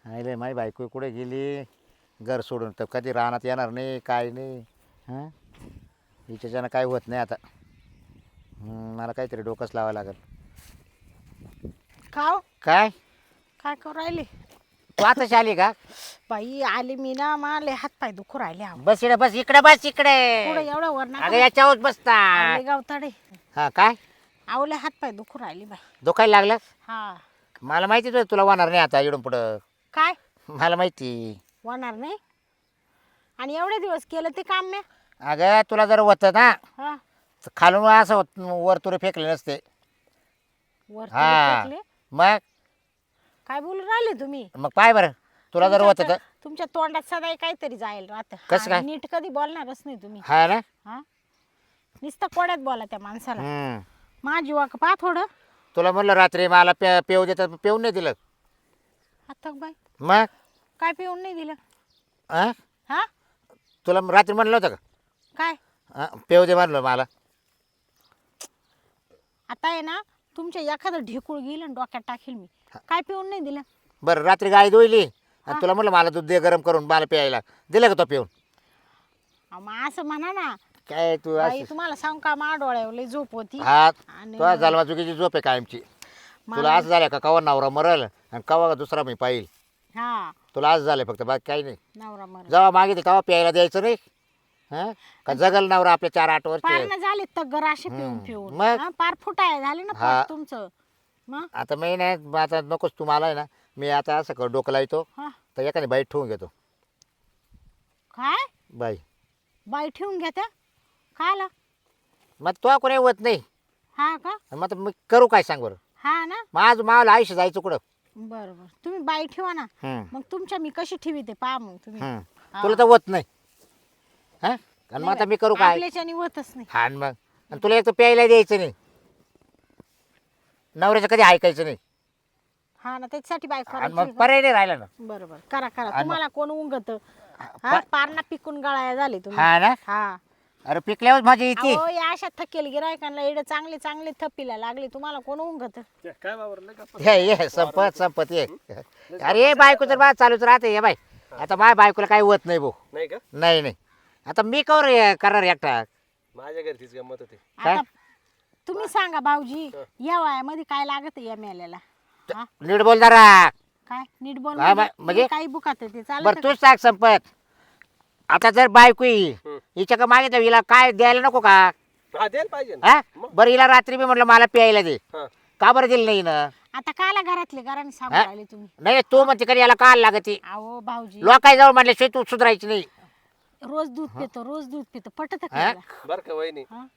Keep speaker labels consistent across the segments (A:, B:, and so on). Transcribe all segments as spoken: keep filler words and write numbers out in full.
A: आईले माझी बायको कुठे गेली घर सोडून तर कधी रानात येणार नाही काय नाही हां हिच्याच्यानं काय होत नाही आता हं, मला काहीतरी डोकंच लावावं लागेल
B: खाव
A: काय
B: काय करू राहिले
A: तू आताच आली का
B: बाई आली मी ना माले हात पाय दुखू राहिले आहो
A: बस इकडे बस इकडे बस इकडे
B: पुढे एवढं वर
A: अगं
B: नका
A: याच्यावर बसता
B: आवले गावताडे
A: हा काय
B: आवले हात पाय दुखू राहिले बाई
A: दुखायला लागलं
B: हा
A: मला माहितीच होतं तुला होणार नाही आता इकडून पुढं
B: काय
A: मला माहिती
B: होणार नाही आणि एवढे दिवस केलं ते काम मी
A: अगं तुला जर होतं ना
B: हा
A: तर खालून असं होत वर तुरे फेकले नसते
B: वर
A: हा
B: फेकले
A: मग
B: काय बोलून राहिले तुम्ही
A: मग पाय बरं तुला जर होतं तर
B: तुमच्या तोंडात सदा काहीतरी जाईल राहत
A: कसं काय?
B: नीट कधी बोलणारच नाही तुम्ही
A: हा ना
B: हा नुसतं कोड्यात बोला त्या माणसाला
A: हम्म.
B: माझी वाक पा थोडं
A: तुला म्हणलं रात्री मला पे पेऊ देतात पेऊन नाही दिलं
B: आता बाई
A: मग
B: काय पिऊन नाही दिलं
A: हा
B: हा
A: तुला रात्री म्हणलं होतं का
B: काय
A: हा, पेऊ दे म्हणलं मला
B: आता आहे ना तुमच्या एखादं ढेकूळ गेलं आणि डोक्यात टाकेल मी काय पिऊन नाही दिलं
A: बरं रात्री गाय धुईली आणि तुला म्हणलं मला दूध दे गरम करून मला प्यायला दिलं का तो पिऊन
B: अहो, मग असं म्हणा ना
A: काय तू
B: बाई
A: असं
B: तुम्हाला सांग का मा डोळ्यावर लई झोप होती
A: हा
B: आणि
A: तुला झालवा चुकीची झोप आहे कायमची तुला
B: मला-
A: असं झालं का कवा नवरा मरल आणि कवा दुसरा मी पाहिल
B: हा
A: तुला असं झालं फक्त बाकी काही नाही
B: नवरा मर
A: जेव्हा मागितलं तेव्हा प्यायला द्यायचं नाही हा का जगल नवरा आपल्या चार आठ वर्ष
B: पार ना झाले तग्गर असे पिऊन
A: हम्म.
B: पिऊन
A: मग?
B: हा, पार फुटाय झाले ना
A: हा.
B: पोट तुमचं मग
A: आता मी नाही मग आता नकोच तू मला आहे ना मी आता असं कर डोकं लावतो
B: हा
A: तर एखादी बाई ठेवून घेतो
B: काय
A: बाई
B: बाई ठेवून घ्या त्या खायला
A: मग तो कोणी होत नाही
B: हा का
A: मग आता मी करू काय सांग बरं
B: हा ना
A: माझं मला आयुष्य जायचं कुठं
B: बरं बरं तुम्ही बाई ठेवा ना
A: हम्म,
B: मग तुमच्या मी कशी ठेवी ते पहा मग तुम्ही
A: हम्म.
B: हा.
A: तुला तर होत नाही हा आणि मग आता मी करू काय
B: आपल्याच्याने होतच नाही
A: हा आणि मग आणि तुला एक तर प्यायला द्यायचं नाही नवऱ्याचं कधी ऐकायचं नाही
B: हा ना त्याच्यासाठी बाई
A: आणि मग
B: करायची
A: पर्याय नाही राहिला ना
B: बरोबर करा करा
A: आणि
B: तुम्हाला कोण उंगत हा पारणा पिकून गळाया झाले तुम्ही
A: हा ना
B: हा
A: अरे पिकल्यावर माझी येते
B: अहो या अशा थकेल गिरायकांना एवढे चांगले चांगले थपीला लागले तुम्हाला कोण उंगत
C: काय वावरलं का
A: हे ये संपत संपत ये अरे बायको तर बा चालूच राहते ये बाय आता माझ्या बायकोला काही होत नाही भाऊ
C: नाही का
A: नाही नाही आता मी कवर करणार एकटा
C: माझ्या घरी तीच गंमत होती
A: काय?
B: आता तुम्ही सांगा भाऊजी या वयामध्ये काय लागत या मेल्याला हा
A: नीट बोल जरा
B: काय नीट बोल
A: हा,
B: म्हणजे
A: म्हणजे?
B: तुम्ही काही बुकात ते चालत
A: बरं तूच सांग संपत आता जर बायको ही
C: हम्म.
A: हिच्या का मागे हिला काय द्यायला नको का
C: हा द्यायला पाहिजे ना.
A: हा बरं हिला रात्री मी म्हटलं मला प्यायला दे
C: हा
A: का बरं दिलं नाही ना
B: आता काला घरातले घराने सांगू
A: हा?
B: राहिले तुम्ही
A: नाही तू म्हणते कधी याला काय लागते
B: अहो भाऊजी
A: लोकांजवळ म्हटल्याशिवाय तू सुधारायची नाही
B: रोज दूध पितो रोज दूध पितो पटत
A: हा?
C: बरं का वहिनी
B: हा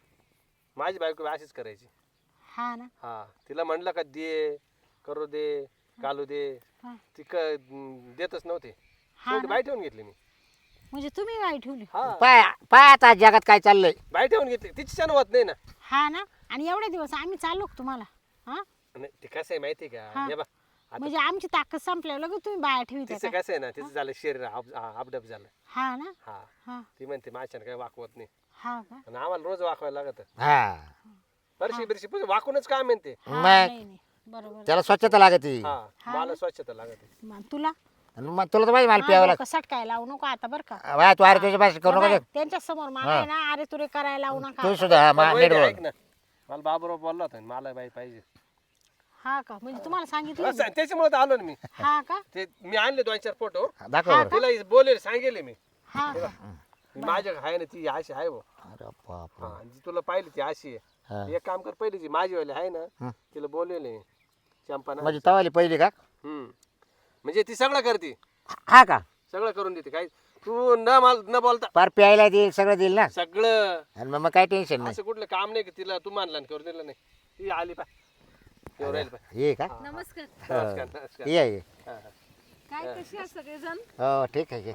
C: माझी बायको अशीच करायची
B: हा ना
C: हा तिला म्हणलं का दे करू दे कालू दे
B: हा.
C: ती क देतच नव्हते
B: हा
C: शेवटी
B: ना?
C: बाई ठेवून घेतली मी
B: म्हणजे तुम्ही बाई ठेवली
C: हा
A: पाय पाय आता जगात काय चाललंय
C: बाई ठेवून घेतली तिची छान होत नाही ना
B: हा ना आणि एवढे दिवस आम्ही चाललो का तुम्हाला हा
C: नाही ते कसं आहे माहिती आहे
B: हा.
C: का हे बा आता
B: म्हणजे आमची ताकद संपल्यावर लगेच तुम्ही बाया ठेवी
C: तिचं कसं आहे ना तिचं झालं शरीर आप- आ- अपडप झालं
B: हा ना
C: हा
B: हा
C: ती म्हणते माझ्यानं काही वाकवत नाही
B: हा का
C: आणि आम्हाला रोज वाकवायला लागत
A: हा
C: बरशी बिरशी पण वाकूनच काम म्हणते
B: हा,
A: मग?
B: नाही नाही बरोबर
A: त्याला स्वच्छता लागते
C: हा
B: हा
C: मला
B: ना?
C: स्वच्छता लागत
B: मग तुला
A: आणि मग तुला तर माहिती मला प्यावं
B: हा, डोकं सटकाय लावू नको आता बरं का
A: लागतं वा, तू अरे तुझ्या भाषा करू नको
B: त्यांच्या समोर मला आहे ना अरे तुरे करायला लावू नका
A: तू सुद्धा हा, मा- नीट
C: ऐक
A: बोल
C: ना मला बाबूराव बोलला होता मला बाई पाहिजे
B: हा का म्हणजे तुम्हाला सांगितलं
C: असं, त्याच्यामुळे तर आलो ना मी
B: हा का
C: ते मी आणले दोन चार फोटो
A: दाखव बरं
C: तिला बोलेल सांगेल मी
B: हा का?
C: मी माझ्या आहे ना ती अशी आहे भाऊ
A: अरे बाप
C: हा जी तुला पाहिली ती अशी
A: हा.
C: आहे एक काम कर पहिली जी माझी वाली आहे ना
A: हं.
C: तिला बोलेल चंपा ना
A: म्हणजे तवाली पहिली का
C: हम्म म्हणजे ती सगळं करते
A: हा का
C: सगळं करून देते काय तू न माल न बोलता
A: पार प्यायला देईल सगळं देईल ना
C: सगळं
A: आणि मग मग काय टेन्शन नाही
C: असं कुठलं काम नाही की तिला तू मानला आणि करून दिलं नाही ती आली पा येऊ राहील पा
A: ये का
D: नमस्कार
C: नमस्कार नमस्कार
A: ये ये
C: हा, हा.
D: काय कशी आहे सगळेजण
A: हो ठीक आहे ये.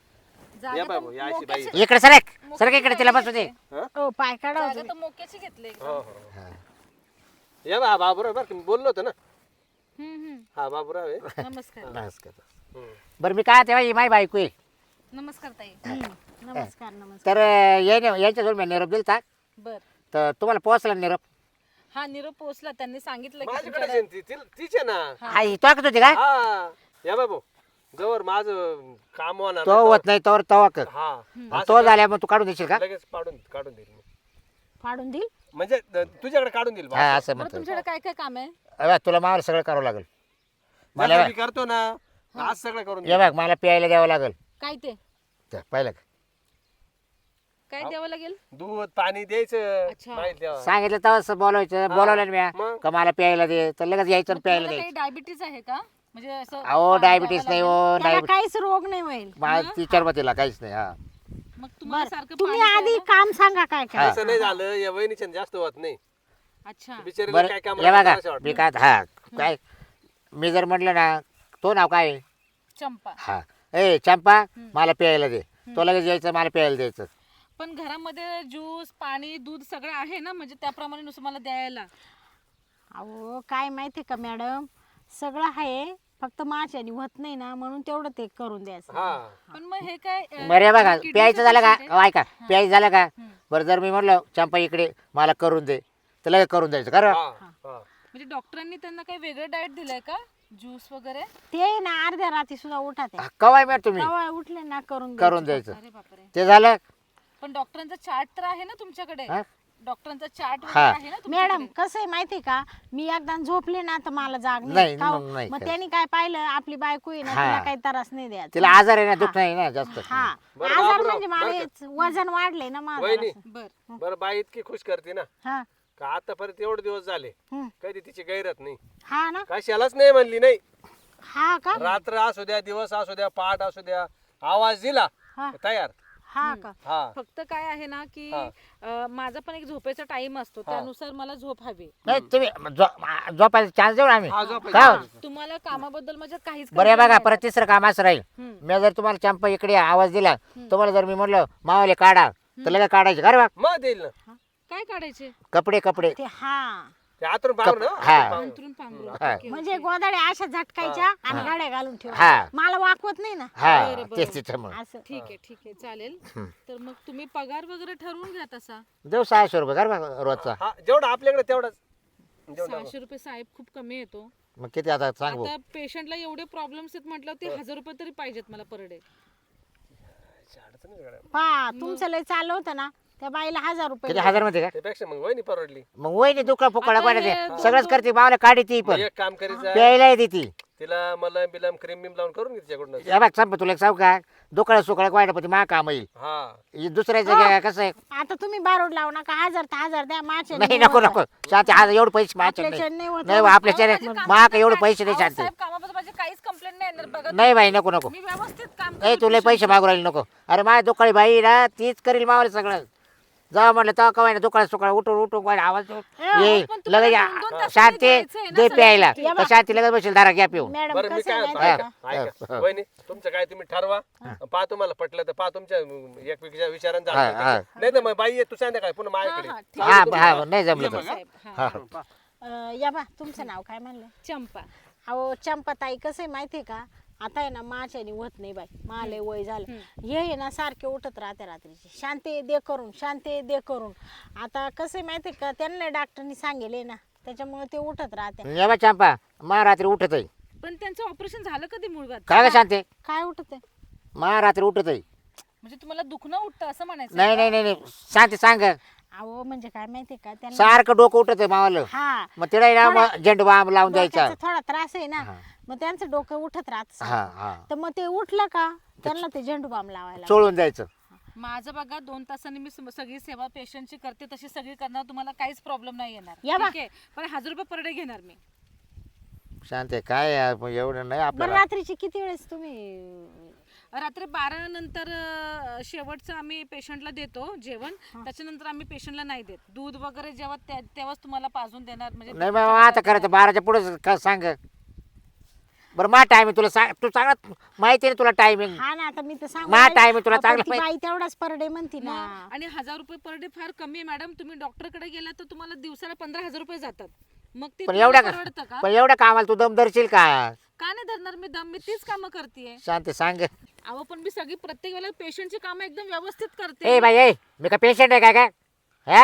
C: या बाबू या अशी बाई
A: इकडे सरक सरक इकडे तिला बसू दे
B: ओ पाय काढा
D: जागा तर मोक्याची घेतली
C: हो हो या बा बाबूराव बरं का मी बोललो होतो ना
D: हम्म, हम्म.
C: हा बाबूराव आहे
D: नमस्कार
A: नमस्कार
C: हम्म.
A: बरं मी काय तेव्हा ही माझी बायको आहे
D: नमस्कार ताई
B: नमस्कार नमस्कार
A: तर याने यांच्याजवळ मी निरोप दिलता
D: बर
A: तर तुम्हाला पोहोचला निरोप
D: हा निरोप पोहोचला त्यांनी सांगितलं की
C: माझ्याकडे
D: तुमच्याकडे-
C: ती ती- तीच आहे ना
A: हा ही तो होती का
C: हा या बाबू जवळ माझं काम होणार
A: तो
C: नाही,
A: होत नाही तोवर तवा कर
C: हा
A: आणि
C: असं
A: तो
C: कर,
A: झाल्या मग तू काढून देशील का
C: लगेच काढून काढून देईल मी.
B: फाडून देईल
C: म्हणजे द- तुझ्याकडे काढून देईल बा.
A: हा असं
D: बरं
A: म्हणतो
D: तुमच्याकडे काय काय काम आहे?
A: अबे, तुला मावर सगळं करावं लागेल मला
C: जसं मी करतो ना आज सगळं करून
A: ये
C: देईल.
A: बघ मला प्यायला द्यावं लागेल
D: काय ते
A: ते पाहिलं का?
D: काय द्यावं लागेल?
C: दूध पाणी द्यायचं
D: अच्छा.
C: माहिती द्यावं.
A: सांगितलं तेव्हाच बोलायचं बोलावलं ना
C: मग?
A: मी का मला प्यायला दे तर लगेच यायचं आणि
D: मग
A: प्यायला
D: तुम्हाला काही
A: द्यायचं
D: डायबिटीज आहे का? म्हणजे असं
A: अहो
D: पाणी
A: डायबिटीस
D: द्यावं
A: नाही
D: लागेल?
A: हो
B: त्याला
A: डायबिटीस
B: काहीच रोग नाही होईल
A: माझ्या टीचर मतीला काहीच नाही हा
D: मग तुम्हाला
B: बर
D: सारखं
B: तुम्ही
D: पाणी
B: आधी
D: प्यायला-
B: काम सांगा काय काय
C: असं नाही झालं या वहिनीच्या जास्त होत नाही
D: अच्छा
C: बिचारीला
A: बरं
C: काय काम
A: हे बघा
C: करायचं वाटतं.
A: मी काय हा काय मी जर म्हटलं ना तो नाव काय आहे?
D: चंपा.
A: हा ए चंपा मला प्यायला दे तो लगेच यायचं मला प्यायला द्यायचं
D: पण घरामध्ये ज्यूस पाणी दूध सगळं आहे ना, म्हणजे त्याप्रमाणे नुसतं मला द्यायला.
B: अहो काय माहिती का मॅडम सगळं आहे फक्त माझ्याने होत नाही ना म्हणून तेवढं ते करून द्यायचं
C: हा
D: पण मग हे काय अं,
A: बरं हे बघा
D: kidney
A: प्यायचं
D: चं
A: झालं का
D: patient आहे?
A: अहो, ऐका प्यायचं झालं का
D: हं.
A: बरं जर मी म्हटलं चंपा इकडे मला करून दे तर लगेच करून द्यायचं खरं
C: हा हा
D: म्हणजे डॉक्टरांनी त्यांना काही वेगळं डाएट दिलंय का? ज्यूस वगैरे?
B: ते ना अर्ध्या रात्री सुद्धा उठा ते
A: कवाय मिळत तुम्ही
B: तेव्हा उठले ना करून
A: करून
B: द्यायचं.
A: द्यायचं
D: अरे बापरे.
A: ते झालं
D: पण डॉक्टरांचा चार्ट तर आहे ना तुमच्याकडे?
A: हा?
D: डॉक्टरांचा चार्ट
A: हा.
D: आहे ना तुमच्याकडे?
B: मॅडम कसं आहे माहिती का मी एकदा झोपले ना तर मला जाग
A: नाही,
B: नाही का हो?
A: मग नाही
B: मग
A: काय.
B: त्यांनी काय पाहिलं आपली बायको आहे ना
A: हा.
B: तिला काही त्रास नाही द्यायचा
A: तिला आजार आहे ना दुख नाही ना जास्त
B: हा
C: बरं,
B: आजार
C: बाबूराव,
B: म्हणजे मला
C: बरं का?
B: हेच वजन वाढलंय ना माझं
C: वहिनी
B: असं.
D: बर
C: बरं बाई इतकी खुश करते ना
B: हा
C: का आतापर्यंत एवढे दिवस झाले
B: हं.
C: कधी तिची गैरत नाही
B: हा ना
C: कशालाच नाही म्हणली नाही
B: हा का
C: रात्र असू द्या दिवस असू द्या पहाट असू द्या आवाज दिला
B: हा
C: तयार
B: हा का
C: हा
D: फक्त काय आहे ना की
C: हा.
D: अं, माझा पण एक झोपेचा टाइम असतो, त्यानुसार मला झोप हवी.
A: नाही तुम्ही झो- झोपायचा चान्स देऊ ना आम्ही
C: हा झोपायचं.
A: का हो?
D: तुम्हाला कामाबद्दल माझ्या काहीच
A: बरं हे
D: complaint
A: बघा
D: नाही.
A: परत तिसरं काम असं राहील
D: हं.
A: मी जर तुम्हाला चंपा इकडे आवाज दिला तुम्हाला जर मी म्हटलं मावाले काढा तर लगेच काढायचे खरं बा
C: मग देईल ना
D: हा? काय काढायचे?
A: कपडे कपडे
B: ते हा
C: ते आतून पाहू ना
A: हा.
D: अंथरून पांघरून.
A: हा.
D: ओके,
B: म्हणजे
D: ओके.
B: गोदाड्या अशा झटकायच्या आणि गाड्या घालून
A: हा.
B: ठेवा मला वाकवत नाही ना
A: हा
D: बरं, बरं.
A: तेच तिच्यामुळे
B: असं
D: ठीक आहे ठीक आहे चालेल. तर मग तुम्ही पगार वगैरे ठरवून घ्या तसा.
A: देऊ सहाशे रुपये कर बा रोजचा
C: हा जेवढं आपल्याकडे तेवढंच जेवढं
D: सहाशे रुपये साहेब खूप कमी येतो.
A: मग किती आता सांग भाऊ
D: आता पेशंटला एवढे प्रॉब्लेम्स आहेत म्हटलं ते हजार रुपये तरी पाहिजेत मला पर डे.
C: अडचण नाही गड्या.
B: पा तुमचं लय चाललं होतं ना त्या बाईला हजार रुपये
A: किती हजार मध्ये का
C: त्यापेक्षा मग वहिनी परवडली
A: मग वहिनी दुखा फुकळा
D: आता
A: पाहिजे
D: हे
A: सगळंच करते मावला काढी ती
C: मग
A: पण
C: एक काम करायचं
A: प्यायला येते ती
C: तिला मलम बिलम क्रीम बिम लावून करून घे तिच्याकडून
A: हे बघ संप तुला एक सांगू का दुकाळ सुकाळ वाईट पण मा काम येईल
C: हा
A: ही दुसऱ्या जागा कसं आहे
B: आता तुम्ही बारोड लावू नका हजार तर हजार द्या माझ्या
A: नाही नको नको शांती आज एवढे पैसे माझ्या
B: आपल्याच्या
A: नाही
B: नाही होत.
A: नाही बा, आपल्याच्या
D: माझे
A: नाही
D: काम
A: मा का
D: करताय.
A: एवढे पैसे नाही
D: अहो,
A: शांती
D: साहेब कामाबद्दल माझी काहीच कंप्लेंट नाही येणार बघा.
A: नाही बाई नको नको
D: मी व्यवस्थित काम
A: ए
D: करते
A: तुला पैसे मागू राहिले नको अरे माझ्या दुकाळी बाई ना तीच करील मावाला सगळं जाऊ म्हटलं तेव्हा कवाय ना दुकाळ सुकाळ उठून उठून वाईट आवाज ये
D: पण तुम्हाला
A: लगेच
D: दोन- दोन तासांनी
A: शांती
D: जायचंय ना
A: दे
D: सगळं
A: प्यायला
B: या
A: तर शांती लगेच बसेल दारा घ्या पिऊन
B: मॅडम
C: बरं मी
B: कसं
C: काय
B: आहे
C: म्हणतो,
B: माहिती
C: ऐका
B: आहे
C: ऐका
A: हा.
C: वहिनी तुमचं काय तुम्ही ठरवा पहा तुम्हाला पटलं तर पहा तुमच्या एकमेकीच्या विचारानं
A: हा, हा.
C: झालं नाही तर मग बाई ये तू सांग काय पुन्हा
D: हा,
C: माझ्याकडे
D: हा, ठीक
A: हा हा नाही जमलं
D: आहे
A: तर
D: साहेब. हा.
A: हा
B: का? अं, या बा तुमचं नाव काय म्हणलं
D: चंपा.
B: अहो चंपाताई कसं आहे माहिती आहे का आता आहे ना माझ्याने होत नाही बाई माले वय झालं हे आहे ना सारखे उठत राहते रात्रीचे शांती दे करून शांती दे करून आता कसं आहे माहिती आहे का त्यांना डॉक्टरनी सांगेले ना त्याच्यामुळे ते उठत राहते
A: ये बा चंपा मा रात्री उठत आहे
D: पण त्यांचं ऑपरेशन झालं कधी मुळगात?
A: काय ग शांती
B: काय उठत आहे
A: मा रात्री उठत आहे
D: म्हणजे तुम्हाला दुखणं उठतं असं म्हणायचं?
A: नाही नाही नाही नाही शांती सांग
B: अहो म्हणजे काय माहिती आहे का त्यांना
A: सारखं डोकं उठत आहे मावाला
B: हा
A: मग तिला ना मग झेंडू बाम लावून द्यायचा
B: डोक्याचा थोडा त्रास आहे ना
A: हा.
B: मग त्यांचं डोकं उठत राहत
A: हा हा
B: तर मग ते उठलं का त्यांना ते झेंडू बाम लावायला
A: चोळून जायचं
D: माझं बघा दोन तासांनी मी सम- सगळी सेवा पेशंटची करते तशी सगळी करणार, तुम्हाला काहीच प्रॉब्लेम नाही येणार.
B: या बा.
D: ठीक आहे, पण हजार रुपये पर डे घेणार मी.
A: शांत आहे काय यार, मग एवढं नाही
B: बरं
A: आपल्याला
B: रात्रीची किती वेळेस तुम्ही
D: रात्री बारा नंतर अं, शेवटचं आम्ही पेशंटला देतो जेवण, त्याच्यानंतर आम्ही पेशंटला नाही देत. दूध वगैरे जेव्हा त्या- तेव्हाच तुम्हाला पाजून देणार. म्हणजे
A: नाही मग आता करायचं बाराच्या पुढे का सांग बरं मा टायमिंग तुला सांग तू चांगला माहिती आहे ना तुला टायमिंग
B: हा ना आता मी तर सांगू
A: मा
B: राहिले.
A: time आहे तुला
B: अहो, पण
A: चांगलं
B: ती
A: माहिती.
B: बाई तेवढाच पर डे म्हणती ना
D: मग आणि हजार रुपये पर डे फार कमी आहे मॅडम. तुम्ही डॉक्टरकडे गेला तर तुम्हाला दिवसाला पंधरा हजार रुपये जातात. मग ते
A: पण
D: तुम्हाला
A: एवढ्या
D: परवडतं का?
A: पण एवढ्या कामाला तू दम धरशील का
D: का नाही धरणार मी दम? मी तीच कामं करते.
A: शांत सांग
D: अहो पण मी सगळी प्रत्येक वेळेला पेशंटची कामं एकदम व्यवस्थित करते.
A: ए बाई ए मी का पेशंट आहे काय काय हा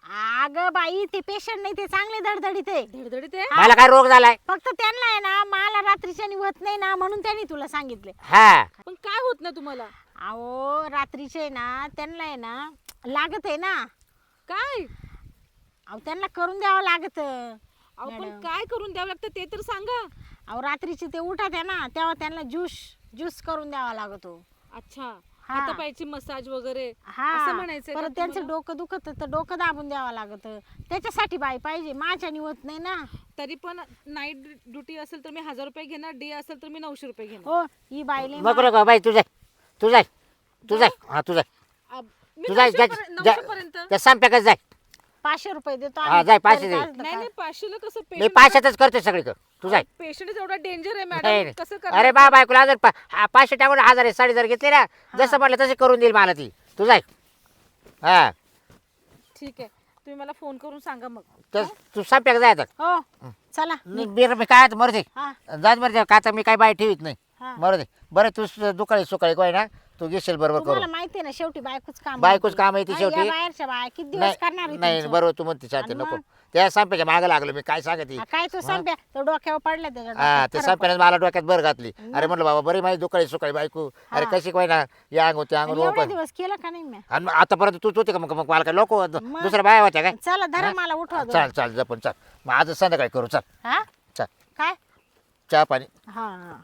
B: अगं बाई ते पेशंट नाही ते चांगले धडधडीत आहे
D: धडधडीत आहे.
A: मला काय रोग झालाय
B: फक्त त्यांना आहे ना मला रात्रीच्या होत नाही ना म्हणून त्यांनी तुला सांगितले.
A: हा
D: पण काय होत ना तुम्हाला?
B: अहो रात्रीचे ना त्यांना आहे ना लागत आहे ना.
D: काय?
B: अहो त्यांना करून द्यावं लागत.
D: अहो पण काय करून द्यावं लागतं ते तर सांगा.
B: अहो रात्रीचे ते उठत आहे ना तेव्हा त्यांना ज्यूस ज्यूस करून द्यावा लागतो.
D: अच्छा,
B: हा.
D: हातापायची मसाज वगैरे
B: हा
D: असं म्हणायचंय का
B: परत त्यांचं
D: तुम्हाला?
B: डोकं दुखत तर डोकं दाबून द्यावं लागत. त्याच्यासाठी बाई पाहिजे माझ्याने होत नाही ना.
D: तरी पण नाईट ड्युटी असेल तर मी हजार रुपये घेणार, डे असेल तर मी नऊशे रुपये घेणार.
B: हो ही बाईले
A: नको नको बाई तू जाय तू जाय तू जाय हा तू जाय
D: अब- मी
A: तू जाय
D: नऊशे पर्यंत- नऊशे पर्यंत.
A: त्या संप्याकच जाय.
B: पाचशे रुपये देतो
A: हा,
B: आम्ही.
A: जाय, पाचशे
B: तरी
A: दे.
B: काय असतं
D: नाही
B: का?
D: नाही पाचशेला कसं
A: मी
D: पेशंट
A: पाचशेच करते सगळीकडे तू जाय.
D: पेशंट एवढा डेंजर आहे
A: नाही,
D: मॅडम,
A: नाही.
D: कसं करणार?
A: अरे बा बायकोला हजार पा- हा, पाचशे टाकून हजार आहे, साडी जर घेतली ना जसं म्हटलं तसे करून देईल मला ती. तू जाय. हा
D: ठीक आहे, तुम्ही मला फोन करून सांगा मग.
A: तर तू संप्याक जाय आता.
B: हो चला
A: मी मी काय मरू दे
B: हा
A: जात मरू दे का आता मी काय बाई ठेवीत नाही.
B: हा.
A: मरू दे बरं तू दुकाळी सुकाळी काय ना तू घेशील बरोबर
B: तुम्हाला
A: करू.
B: माहिती आहे ना शेवटी बायकोच काम
A: बायकोच
B: होतं.
A: काम आहे ती
B: हा,
A: शेवटी.
B: या बाहेरच्या बाया किती दिवस करणार आहे
A: नाही
B: तुमचं?
A: बरोबर तू म्हणते चालते
B: आणि
A: नको
B: मग?
A: त्या संप्याच्या मागे लागलो मी काय सांगते.
B: हा, काय तो संप्या तो डोक्यावर पडला त्याच्या
A: हा
B: डोक्यात.
A: ते
B: खरं
A: संप्याने मला डोक्यात भर घातली. अरे म्हटलं बाबा बरी माझी दुकाळी सुकाळी बायको अरे
B: हा.
A: कशी काय ना या अंग त्या
B: आणि
A: अंग
B: एवढे दिवस केलं का नाही मी?
A: आणि मग आतापर्यंत तूच होती का मग मग मला काय लोक दुसऱ्या बाया होत्या काय.
B: चला धरा
A: हा?
B: मला उठवा दोन.
A: चाल चाल जपून चाल मग आज संध्याकाळी करू चाल
B: हा
A: चाल
B: काय
A: चहा पाणी.
B: हा हा.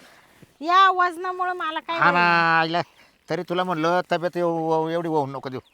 B: या वजनामुळे मला काय
A: हा ना
B: होईल?
A: आईला तरी तुला म्हणलं तब्येत एव- एवढी होऊ नको देऊ.